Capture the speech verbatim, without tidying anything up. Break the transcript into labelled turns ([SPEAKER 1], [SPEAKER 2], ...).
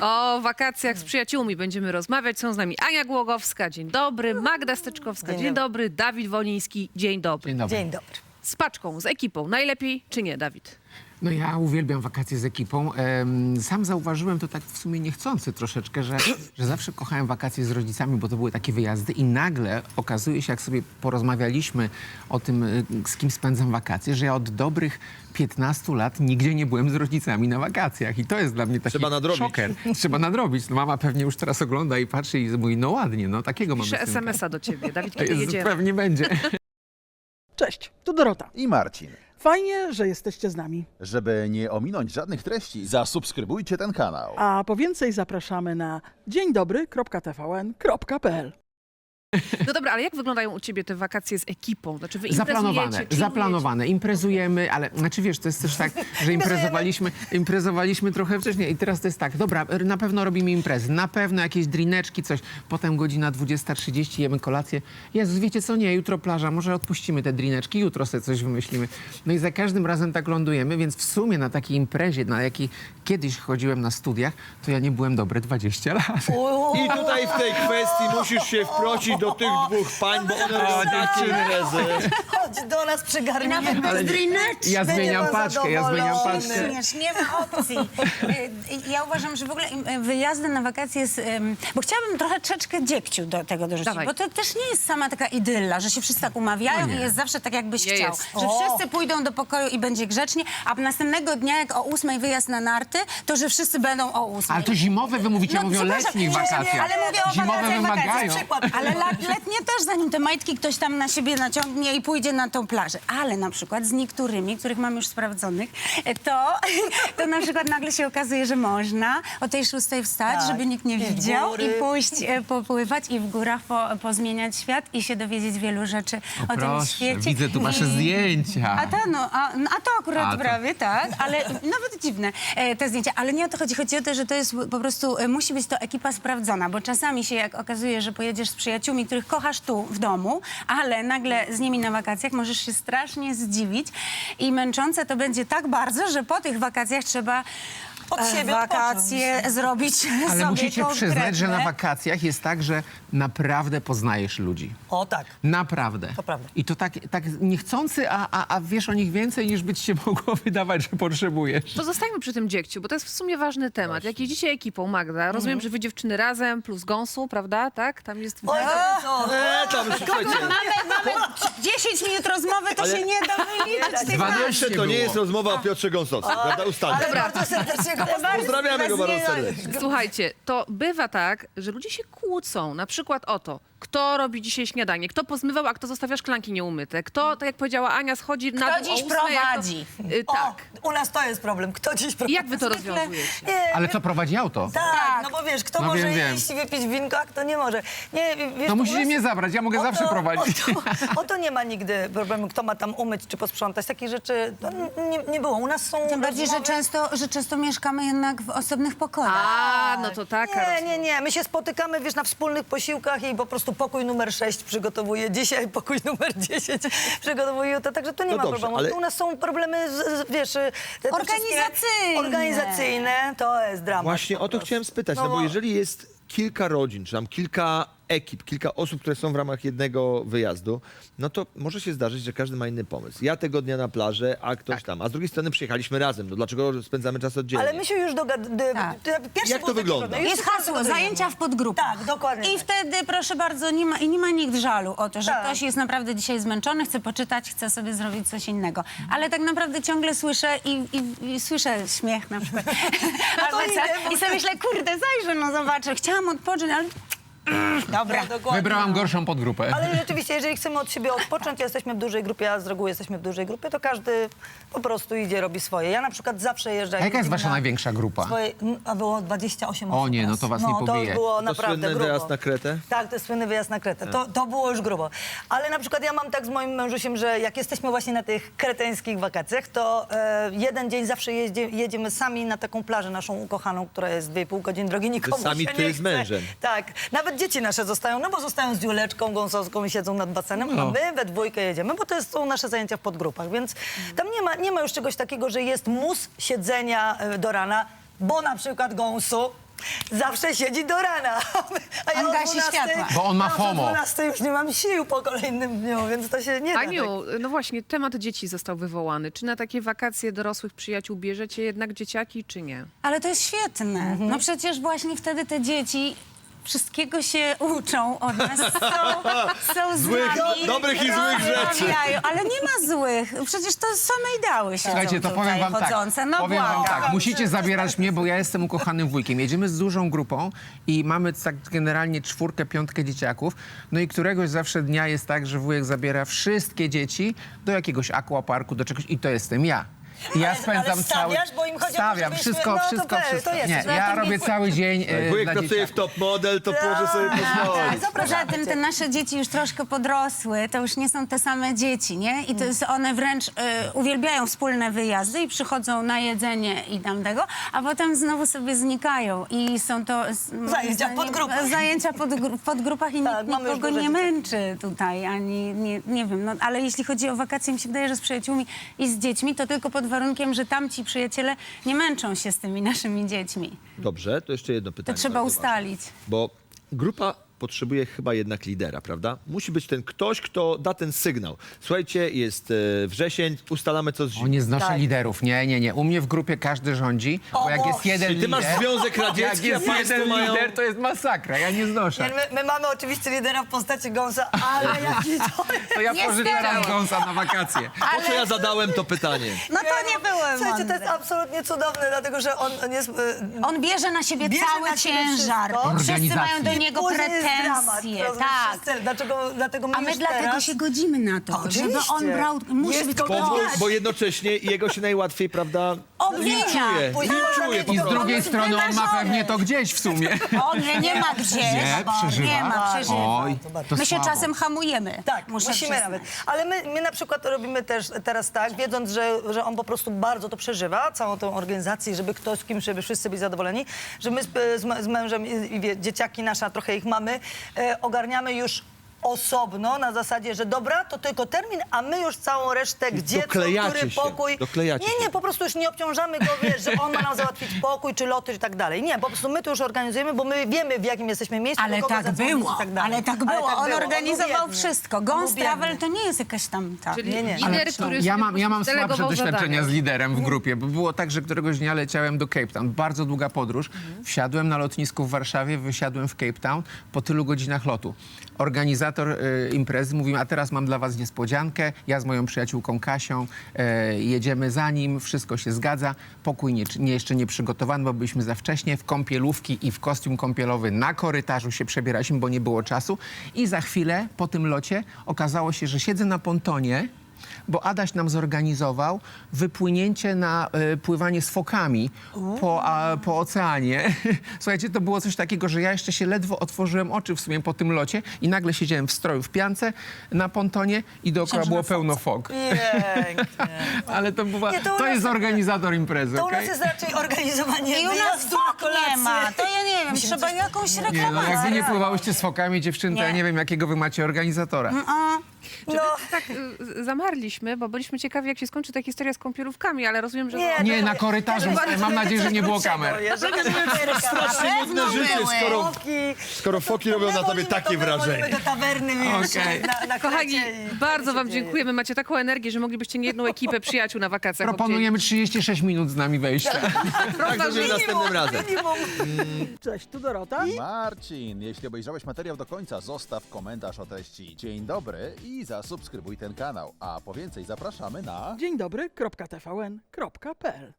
[SPEAKER 1] O wakacjach z przyjaciółmi będziemy rozmawiać. Są z nami Ania Głogowska, dzień dobry, Magda Steczkowska, dzień,
[SPEAKER 2] Dzień
[SPEAKER 1] dobry, Dawid Woliński, dzień dobry.
[SPEAKER 3] Dzień dobry.
[SPEAKER 2] Dzień dobry.
[SPEAKER 1] Z paczką, z ekipą, najlepiej czy nie, Dawid?
[SPEAKER 3] No ja uwielbiam wakacje z ekipą. Em, Sam zauważyłem to tak w sumie niechcący troszeczkę, że, że zawsze kochałem wakacje z rodzicami, bo to były takie wyjazdy i nagle okazuje się, jak sobie porozmawialiśmy o tym, y, z kim spędzam wakacje, że ja od dobrych piętnastu lat nigdzie nie byłem z rodzicami na wakacjach i to jest dla mnie taki
[SPEAKER 4] Trzeba nadrobić.
[SPEAKER 3] szoker. Trzeba nadrobić. No mama pewnie już teraz ogląda i patrzy i mówi, no ładnie, no takiego mamy
[SPEAKER 1] Piszę
[SPEAKER 3] synka.
[SPEAKER 1] es em es a do ciebie, Dawid, kiedy
[SPEAKER 3] Jezu,
[SPEAKER 1] jedziemy?
[SPEAKER 3] pewnie będzie.
[SPEAKER 5] Cześć, tu Dorota.
[SPEAKER 6] I Marcin.
[SPEAKER 5] Fajnie, że jesteście z nami.
[SPEAKER 6] Żeby nie ominąć żadnych treści, zasubskrybujcie ten kanał.
[SPEAKER 5] A po więcej zapraszamy na dzień dobry kropka t v n kropka p l.
[SPEAKER 1] No dobra, ale jak wyglądają u ciebie te wakacje z ekipą? Znaczy wy
[SPEAKER 3] Zaplanowane,
[SPEAKER 1] imprezujecie,
[SPEAKER 3] zaplanowane. Imprezujemy, ale znaczy wiesz, to jest też tak, że imprezowaliśmy, imprezowaliśmy trochę wcześniej i teraz to jest tak, dobra, na pewno robimy imprezy, na pewno jakieś drineczki, coś, potem godzina dwudziesta trzydzieści jemy kolację. Jezus, wiecie co, nie, jutro plaża, może odpuścimy te drineczki, jutro sobie coś wymyślimy. No i za każdym razem tak lądujemy, więc w sumie na takiej imprezie, na jakiej kiedyś chodziłem na studiach, to ja nie byłem dobre dwadzieścia lat.
[SPEAKER 4] I tutaj w tej kwestii musisz się wprosić do tych dwóch pań, bo one robią takie imprezy.
[SPEAKER 2] Chodź do nas przygarnij.
[SPEAKER 7] Nawet bez drineczki.
[SPEAKER 3] Ja
[SPEAKER 2] Będzie
[SPEAKER 3] zmieniam
[SPEAKER 2] pan
[SPEAKER 3] paczkę, ja zmieniam
[SPEAKER 2] zadowolony.
[SPEAKER 3] paczkę.
[SPEAKER 7] Rozumiesz, nie ma opcji. Y, Ja uważam, że w ogóle im- wyjazdy na wakacje jest... ym, Bo chciałabym trochę troszeczkę dziegciu do tego dorzucić,
[SPEAKER 1] Dawaj.
[SPEAKER 7] bo to też nie jest sama taka idylla, że się wszyscy tak umawiają
[SPEAKER 3] No nie.
[SPEAKER 7] i jest zawsze tak, jakbyś
[SPEAKER 1] Nie
[SPEAKER 7] chciał.
[SPEAKER 1] jest.
[SPEAKER 7] Że
[SPEAKER 2] O.
[SPEAKER 7] wszyscy pójdą do pokoju i będzie grzecznie, a następnego dnia, jak o ósmej wyjazd na narty, to że wszyscy będą o ósmej.
[SPEAKER 3] Ale to zimowe wy mówicie, ja
[SPEAKER 7] No,
[SPEAKER 3] mówię o
[SPEAKER 7] przepraszam,
[SPEAKER 3] letnich
[SPEAKER 7] nie, nie,
[SPEAKER 3] wakacjach.
[SPEAKER 7] ale mówię o
[SPEAKER 3] Zimowe
[SPEAKER 7] wakacjach,
[SPEAKER 3] wymagają.
[SPEAKER 7] wakacjach. Przykład. Ale lat, letnie też, zanim te majtki ktoś tam na siebie naciągnie i pójdzie na tą plażę. Ale na przykład z niektórymi, których mam już sprawdzonych, to, to na przykład nagle się okazuje, że można o tej szóstej wstać,
[SPEAKER 2] Tak.
[SPEAKER 7] żeby nikt nie
[SPEAKER 2] I w
[SPEAKER 7] widział
[SPEAKER 2] góry.
[SPEAKER 7] i pójść e, popływać i w górach po, pozmieniać świat i się dowiedzieć wielu rzeczy o,
[SPEAKER 3] O
[SPEAKER 7] tym
[SPEAKER 3] proszę,
[SPEAKER 7] świecie.
[SPEAKER 3] widzę tu wasze
[SPEAKER 7] I-
[SPEAKER 3] zdjęcia.
[SPEAKER 7] a to, no, a, no, a to akurat
[SPEAKER 3] A to-
[SPEAKER 7] prawie, tak, ale nawet dziwne e, te zdjęcia. Ale nie o to chodzi. Chodzi o to, że to jest po prostu, e, musi być to ekipa sprawdzona, bo czasami się jak okazuje, że pojedziesz z przyjaciółmi, których kochasz tu w domu, ale nagle z nimi na wakacjach możesz się strasznie zdziwić i męczące to będzie tak bardzo, że po tych wakacjach trzeba
[SPEAKER 2] Od
[SPEAKER 7] e,
[SPEAKER 2] siebie
[SPEAKER 7] wakacje
[SPEAKER 2] odpocząć.
[SPEAKER 7] zrobić
[SPEAKER 3] Ale
[SPEAKER 7] sobie
[SPEAKER 3] musicie przyznać, że na
[SPEAKER 7] konkretne.
[SPEAKER 3] wakacjach jest tak, że naprawdę poznajesz ludzi.
[SPEAKER 2] O tak.
[SPEAKER 3] Naprawdę.
[SPEAKER 2] To prawda.
[SPEAKER 3] I to tak, tak niechcący, a, a, a wiesz o nich więcej, niż by ci się mogło wydawać, że potrzebujesz.
[SPEAKER 1] To zostańmy przy tym dziegciu, bo to jest w sumie ważny temat. Jak jeździcie ekipą, Magda, rozumiem, że wy dziewczyny razem plus gąsu, prawda? Tak? Tam jest...
[SPEAKER 2] Oj, co?
[SPEAKER 4] E, tam, słuchajcie,
[SPEAKER 7] Mamy, mamy dziesięć minut rozmowy, to
[SPEAKER 4] Ale-
[SPEAKER 7] się nie da wyliczyć. tych
[SPEAKER 4] dwanaście to nie
[SPEAKER 3] było.
[SPEAKER 4] jest rozmowa o Piotrze Gąsowskim, prawda? Ustalmy.
[SPEAKER 2] Ale bardzo serdecznie go pozdrawiam.
[SPEAKER 4] Pozdrawiamy go bardzo serdecznie.
[SPEAKER 1] Słuchajcie, to bywa tak, że ludzie się kłócą, na przykład o to, kto robi dzisiaj śniadanie, kto pozmywał, a kto zostawia szklanki nieumyte, kto, tak jak powiedziała Ania, schodzi na dół
[SPEAKER 7] dziś
[SPEAKER 1] o ósmej, a
[SPEAKER 7] prowadzi?
[SPEAKER 1] Kto, y,
[SPEAKER 2] O,
[SPEAKER 1] tak.
[SPEAKER 2] u nas to jest problem. Kto dziś
[SPEAKER 1] I
[SPEAKER 2] prowadzi?
[SPEAKER 1] jak wy to
[SPEAKER 7] Zwykle-
[SPEAKER 1] rozwiązujecie?
[SPEAKER 2] Nie,
[SPEAKER 3] Ale co, prowadzi auto?
[SPEAKER 2] tak, no bo wiesz, kto
[SPEAKER 3] No
[SPEAKER 2] może
[SPEAKER 3] wiem, wiem.
[SPEAKER 2] iść i wypić winko, a kto nie może. Nie, wiesz,
[SPEAKER 3] To
[SPEAKER 2] u
[SPEAKER 3] musicie
[SPEAKER 2] nas-
[SPEAKER 3] mnie zabrać, ja mogę
[SPEAKER 2] o
[SPEAKER 3] zawsze
[SPEAKER 2] to-
[SPEAKER 3] prowadzić.
[SPEAKER 2] O to, o to nie ma nigdy problemu, kto ma tam umyć czy posprzątać. Takich rzeczy to nie, nie było. U nas są
[SPEAKER 7] Tym bardziej, że
[SPEAKER 2] rozmowy-
[SPEAKER 7] często, że często mieszkamy jednak w osobnych pokojach.
[SPEAKER 1] A, no to taka
[SPEAKER 2] Nie,
[SPEAKER 1] rozmowa.
[SPEAKER 2] nie, nie. My się spotykamy, wiesz, na wspólnych posiłkach i po prostu pokój numer sześć przygotowuje dzisiaj, pokój numer dziesięć przygotowuje to, także to nie
[SPEAKER 4] No
[SPEAKER 2] ma
[SPEAKER 4] dobrze,
[SPEAKER 2] problemu.
[SPEAKER 4] ale-
[SPEAKER 2] U nas są problemy, z, z, wiesz... te- te
[SPEAKER 7] Organizacyjne.
[SPEAKER 2] wszystkie- Organizacyjne, to jest dramat.
[SPEAKER 4] Właśnie
[SPEAKER 2] po
[SPEAKER 4] o to
[SPEAKER 2] prostu.
[SPEAKER 4] chciałem spytać, no bo jeżeli jest kilka rodzin, czy tam kilka ekip, kilka osób, które są w ramach jednego wyjazdu, no to może się zdarzyć, że każdy ma inny pomysł. Ja tego dnia na plażę, a ktoś
[SPEAKER 3] Tak.
[SPEAKER 4] tam. A z drugiej strony przyjechaliśmy razem. No dlaczego spędzamy czas oddzielnie?
[SPEAKER 2] Ale my się już dogadamy.
[SPEAKER 7] Tak.
[SPEAKER 4] Jak to wygląda?
[SPEAKER 7] Jest hasło, zajęcia w podgrupach.
[SPEAKER 2] Tak, dokładnie
[SPEAKER 7] I
[SPEAKER 2] tak.
[SPEAKER 7] wtedy, proszę bardzo, nie ma, i nie ma nikt żalu o to, że
[SPEAKER 2] Tak.
[SPEAKER 7] ktoś jest naprawdę dzisiaj zmęczony, chce poczytać, chce sobie zrobić coś innego. Ale tak naprawdę ciągle słyszę i, i, i słyszę śmiech na przykład. Albo
[SPEAKER 2] idę,
[SPEAKER 7] co,
[SPEAKER 2] bo-
[SPEAKER 7] I sobie myślę, kurde, zajrzę, no zobaczę. Chciałam odpocząć, ale... Dobra.
[SPEAKER 2] Dokładnie.
[SPEAKER 3] Wybrałam gorszą podgrupę.
[SPEAKER 2] Ale rzeczywiście, jeżeli chcemy od siebie odpocząć, jesteśmy w dużej grupie, a z reguły jesteśmy w dużej grupie, to każdy po prostu idzie, robi swoje. Ja na przykład zawsze jeżdżę...
[SPEAKER 3] A jaka jest wasza
[SPEAKER 2] na
[SPEAKER 3] największa grupa?
[SPEAKER 2] Swoje, a było dwadzieścia osiem
[SPEAKER 3] O
[SPEAKER 2] osób.
[SPEAKER 3] nie, no
[SPEAKER 2] teraz.
[SPEAKER 3] to was nie
[SPEAKER 2] To
[SPEAKER 3] pobije.
[SPEAKER 2] już było
[SPEAKER 4] To
[SPEAKER 2] naprawdę
[SPEAKER 4] słynny
[SPEAKER 2] grubo.
[SPEAKER 4] wyjazd na Kretę?
[SPEAKER 2] Tak, to jest słynny wyjazd na Kretę. To, to było już grubo. Ale na przykład ja mam tak z moim mężusiem, że jak jesteśmy właśnie na tych kreteńskich wakacjach, to e, jeden dzień zawsze jeździe, jedziemy sami na taką plażę naszą ukochaną, która jest dwie i pół godziny drogi, nikomu
[SPEAKER 4] sami
[SPEAKER 2] się
[SPEAKER 4] ty
[SPEAKER 2] nie
[SPEAKER 4] z
[SPEAKER 2] chce.
[SPEAKER 4] mężem.
[SPEAKER 2] Tak. Nawet dzieci nasze zostają, no bo zostają z Juleczką Gąsowską i siedzą nad basenem, a
[SPEAKER 3] No.
[SPEAKER 2] my we dwójkę jedziemy, bo to jest, są nasze zajęcia w podgrupach, więc tam nie ma, nie ma już czegoś takiego, że jest mus siedzenia e, do rana, bo na przykład gąsu zawsze siedzi do rana. A
[SPEAKER 7] On
[SPEAKER 2] o
[SPEAKER 7] gasi
[SPEAKER 2] dwunastej
[SPEAKER 7] światła.
[SPEAKER 3] Bo on ma
[SPEAKER 2] ja o
[SPEAKER 3] FOMO.
[SPEAKER 2] dwunastej już nie mam sił po kolejnym dniu, więc to się nie da.
[SPEAKER 1] Aniu, no właśnie, temat dzieci został wywołany. Czy na takie wakacje dorosłych przyjaciół bierzecie jednak dzieciaki, czy nie?
[SPEAKER 7] Ale to jest świetne.
[SPEAKER 2] Mhm.
[SPEAKER 7] No przecież właśnie wtedy te dzieci wszystkiego się uczą od nas. Są, są z
[SPEAKER 4] Złych,
[SPEAKER 7] nami,
[SPEAKER 4] dobrych i złych rzeczy.
[SPEAKER 7] rozmawiają. Ale nie ma złych. Przecież to same ideały siedzą
[SPEAKER 3] Słuchajcie, to
[SPEAKER 7] tutaj
[SPEAKER 3] powiem wam
[SPEAKER 7] chodzące.
[SPEAKER 3] tak.
[SPEAKER 7] No
[SPEAKER 3] powiem wam
[SPEAKER 7] błagam.
[SPEAKER 3] tak. Musicie zabierać mnie, bo ja jestem ukochanym wujkiem. Jedziemy z dużą grupą i mamy tak generalnie czwórkę, piątkę dzieciaków. No i któregoś zawsze dnia jest tak, że wujek zabiera wszystkie dzieci do jakiegoś aquaparku, do czegoś i to jestem ja. I ja
[SPEAKER 2] Ale-
[SPEAKER 3] spędzam
[SPEAKER 2] ale
[SPEAKER 3] cały...
[SPEAKER 2] stawiasz? Bo im chodzi o to,
[SPEAKER 3] Stawiam,
[SPEAKER 2] żebyśmy-
[SPEAKER 3] wszystko,
[SPEAKER 2] no to
[SPEAKER 3] wszystko,
[SPEAKER 2] pe- to
[SPEAKER 3] wszystko.
[SPEAKER 2] jesteś.
[SPEAKER 3] Nie,
[SPEAKER 2] No
[SPEAKER 3] ja
[SPEAKER 2] to
[SPEAKER 3] robię
[SPEAKER 2] nie-
[SPEAKER 3] cały dzień e,
[SPEAKER 4] Wujek
[SPEAKER 3] dla
[SPEAKER 4] pracuje w
[SPEAKER 3] dzieciaków.
[SPEAKER 4] top model, to może sobie pozwolić.
[SPEAKER 7] Tak, poza tym te nasze dzieci już troszkę podrosły, to już nie są te same dzieci, nie? I to jest, one wręcz y, uwielbiają wspólne wyjazdy i przychodzą na jedzenie i tam tego, a potem znowu sobie znikają i są to... s- moim
[SPEAKER 2] Zajęcia
[SPEAKER 7] zdaniem,
[SPEAKER 2] w podgrupach.
[SPEAKER 7] Zajęcia pod, gru- w podgrupach i
[SPEAKER 2] Tak,
[SPEAKER 7] nikt
[SPEAKER 2] mamy już
[SPEAKER 7] nikogo
[SPEAKER 2] duże
[SPEAKER 7] nie
[SPEAKER 2] dzieci.
[SPEAKER 7] męczy tutaj, ani nie, nie wiem, no ale jeśli chodzi o wakacje, mi się wydaje, że z przyjaciółmi i z dziećmi, to tylko pod warunkiem, że tamci przyjaciele nie męczą się z tymi naszymi dziećmi.
[SPEAKER 4] Dobrze, to jeszcze jedno
[SPEAKER 7] To
[SPEAKER 4] pytanie.
[SPEAKER 7] trzeba
[SPEAKER 4] bardzo ważne.
[SPEAKER 7] ustalić.
[SPEAKER 4] Bo grupa potrzebuje chyba jednak lidera, prawda? Musi być ten ktoś, kto da ten sygnał. Słuchajcie, jest e, wrzesień, ustalamy co z
[SPEAKER 3] O,
[SPEAKER 4] zimą.
[SPEAKER 3] nie znoszę
[SPEAKER 2] Tak.
[SPEAKER 3] liderów. Nie, nie, nie. U mnie w grupie każdy rządzi, bo jak jest jeden
[SPEAKER 4] Czyli ty
[SPEAKER 3] lider...
[SPEAKER 4] masz Związek
[SPEAKER 3] Jak
[SPEAKER 4] Radziecki, a
[SPEAKER 3] jest
[SPEAKER 4] państwo
[SPEAKER 3] jeden
[SPEAKER 4] mają...
[SPEAKER 3] lider, to jest masakra. Ja nie znoszę.
[SPEAKER 2] My, my mamy oczywiście lidera w postaci Gąsa, ale jaki to
[SPEAKER 3] To ja
[SPEAKER 7] Nie
[SPEAKER 3] pożyczam
[SPEAKER 7] zgadzam.
[SPEAKER 3] Gąsa na wakacje.
[SPEAKER 4] Po co ja zadałem to pytanie?
[SPEAKER 7] No to nie było
[SPEAKER 2] Słuchajcie, to
[SPEAKER 7] mądre.
[SPEAKER 2] jest absolutnie cudowne, dlatego że on, on jest... y,
[SPEAKER 7] On bierze na siebie
[SPEAKER 2] Bierze
[SPEAKER 7] cały
[SPEAKER 2] na siebie
[SPEAKER 7] ciężar.
[SPEAKER 2] wszystko.
[SPEAKER 7] Wszyscy mają do
[SPEAKER 3] Organizacji.
[SPEAKER 7] niego
[SPEAKER 2] Później jest dramat,
[SPEAKER 7] pretensje.
[SPEAKER 2] rozumiesz,
[SPEAKER 7] Tak.
[SPEAKER 2] wszyscy- Dlaczego, dlatego my
[SPEAKER 7] A my
[SPEAKER 2] już
[SPEAKER 7] dlatego
[SPEAKER 2] teraz...
[SPEAKER 7] się godzimy na to,
[SPEAKER 2] Oczywiście.
[SPEAKER 7] żeby on brał... Musi
[SPEAKER 2] Jest
[SPEAKER 7] być
[SPEAKER 2] kogo
[SPEAKER 4] Bo,
[SPEAKER 7] ktoś.
[SPEAKER 4] bo jednocześnie jego się najłatwiej, prawda,
[SPEAKER 7] Obwinia.
[SPEAKER 4] linczuje.
[SPEAKER 2] Później można
[SPEAKER 4] Linczuje
[SPEAKER 2] mieć
[SPEAKER 4] po
[SPEAKER 3] I z
[SPEAKER 4] prostu.
[SPEAKER 3] drugiej
[SPEAKER 7] jest
[SPEAKER 3] strony on ma
[SPEAKER 7] wyważony.
[SPEAKER 3] pewnie to gdzieś w sumie.
[SPEAKER 7] On nie, nie ma gdzieś.
[SPEAKER 3] Nie, przeżywa?
[SPEAKER 7] Nie ma, przeżywa.
[SPEAKER 3] Oj, to
[SPEAKER 7] My się
[SPEAKER 3] słabo.
[SPEAKER 7] czasem hamujemy.
[SPEAKER 2] Tak,
[SPEAKER 7] Muszę
[SPEAKER 2] musimy
[SPEAKER 7] przyznać.
[SPEAKER 2] nawet. Ale my, my na przykład robimy też teraz tak, wiedząc, że, że on po prostu bardzo to przeżywa, całą tą organizację, żeby ktoś z kim, żeby wszyscy byli zadowoleni, że my z, z, z mężem i, i wie, dzieciaki nasze, a trochę ich mamy, e, ogarniamy już osobno, na zasadzie, że dobra, to tylko termin, a my już całą resztę, gdzie, co,
[SPEAKER 4] doklejacie
[SPEAKER 2] który
[SPEAKER 4] się,
[SPEAKER 2] pokój.
[SPEAKER 4] doklejacie
[SPEAKER 2] nie,
[SPEAKER 4] się.
[SPEAKER 2] nie, po prostu już nie obciążamy go, wiesz, że on ma nam załatwić pokój, czy loty, i tak dalej. Nie, po prostu my to już organizujemy, bo my wiemy, w jakim jesteśmy miejscu,
[SPEAKER 7] Ale
[SPEAKER 2] do kogo
[SPEAKER 7] tak
[SPEAKER 2] zadzwonić
[SPEAKER 7] było,
[SPEAKER 2] i tak dalej.
[SPEAKER 7] ale tak było. On
[SPEAKER 2] był
[SPEAKER 7] organizował
[SPEAKER 2] biedny.
[SPEAKER 7] wszystko.
[SPEAKER 2] On
[SPEAKER 7] Ghost
[SPEAKER 2] był
[SPEAKER 7] Travel
[SPEAKER 2] biedny.
[SPEAKER 7] to nie jest jakaś tam... Tak.
[SPEAKER 1] Czyli
[SPEAKER 2] Nie, nie.
[SPEAKER 1] lider, który
[SPEAKER 3] Ja
[SPEAKER 1] sobie
[SPEAKER 3] mam, ja mam
[SPEAKER 1] delegował
[SPEAKER 3] słabsze doświadczenia
[SPEAKER 1] zadania.
[SPEAKER 3] z liderem w grupie, bo było tak, że któregoś dnia leciałem do Cape Town. Bardzo długa podróż. Wsiadłem na lotnisku w Warszawie, wysiadłem w Cape Town po tylu godzinach lotu. Organizator y, imprezy mówi, a teraz mam dla was niespodziankę. Ja z moją przyjaciółką Kasią e, jedziemy za nim, wszystko się zgadza. Pokój nie, nie, jeszcze nie przygotowany, bo byliśmy za wcześnie. W kąpielówki i w kostium kąpielowy na korytarzu się przebieraliśmy, bo nie było czasu. I za chwilę po tym locie okazało się, że siedzę na pontonie, bo Adaś nam zorganizował wypłynięcie na e, pływanie z fokami po, a, po oceanie. Słuchajcie, to było coś takiego, że ja jeszcze się ledwo otworzyłem oczy w sumie po tym locie i nagle siedziałem w stroju w piance na pontonie i dookoła
[SPEAKER 7] Myślałam, że
[SPEAKER 3] było
[SPEAKER 7] na
[SPEAKER 3] pełno fok.
[SPEAKER 2] Pięknie.
[SPEAKER 3] Ale to, była,
[SPEAKER 2] Nie, to u
[SPEAKER 3] to
[SPEAKER 2] nas-
[SPEAKER 3] jest organizator imprezy,
[SPEAKER 2] To u
[SPEAKER 3] okej?
[SPEAKER 2] nas jest raczej organizowanie
[SPEAKER 7] I u nas
[SPEAKER 2] wyjazdu na
[SPEAKER 7] fok
[SPEAKER 2] kolację.
[SPEAKER 7] nie ma. To ja nie wiem,
[SPEAKER 2] Musimy
[SPEAKER 7] trzeba
[SPEAKER 2] coś-
[SPEAKER 7] jakąś
[SPEAKER 3] Nie, no
[SPEAKER 7] reklamację.
[SPEAKER 3] jak wy nie pływałyście z fokami, dziewczyny, to ja
[SPEAKER 7] Nie.
[SPEAKER 3] nie wiem, jakiego wy macie organizatora.
[SPEAKER 2] No,
[SPEAKER 1] Tak y, zamarliśmy, bo byliśmy ciekawi, jak się skończy ta historia z kąpielówkami, ale rozumiem, że...
[SPEAKER 2] nie,
[SPEAKER 3] Nie,
[SPEAKER 2] to-
[SPEAKER 3] na korytarzu.
[SPEAKER 2] to-
[SPEAKER 3] Mam nadzieję, że nie było kamer.
[SPEAKER 4] Strasznie nudne życie, skoro,
[SPEAKER 2] Foki.
[SPEAKER 4] skoro foki robią na tobie
[SPEAKER 2] Wolimy
[SPEAKER 4] takie
[SPEAKER 2] to, my wolimy
[SPEAKER 4] wrażenie.
[SPEAKER 2] do tawerny, wiesz,
[SPEAKER 3] Okej.
[SPEAKER 2] na, na
[SPEAKER 1] Kochani,
[SPEAKER 2] krecie i
[SPEAKER 1] bardzo
[SPEAKER 2] wtedy
[SPEAKER 1] wam
[SPEAKER 2] się dzieje.
[SPEAKER 1] dziękujemy. Macie taką energię, że moglibyście nie jedną ekipę przyjaciół na wakacjach
[SPEAKER 3] Proponujemy trzydzieści sześć minut z nami wejścia.
[SPEAKER 4] Tak zrobimy następnym razem.
[SPEAKER 2] Minimum.
[SPEAKER 5] Cześć, tu Dorota.
[SPEAKER 6] Marcin, jeśli obejrzałeś materiał do końca, zostaw komentarz o treści. Dzień dobry i zasubskrybuj ten kanał. A po więcej zapraszamy na...
[SPEAKER 5] Dzień dobry, kropka T V N, kropka P L.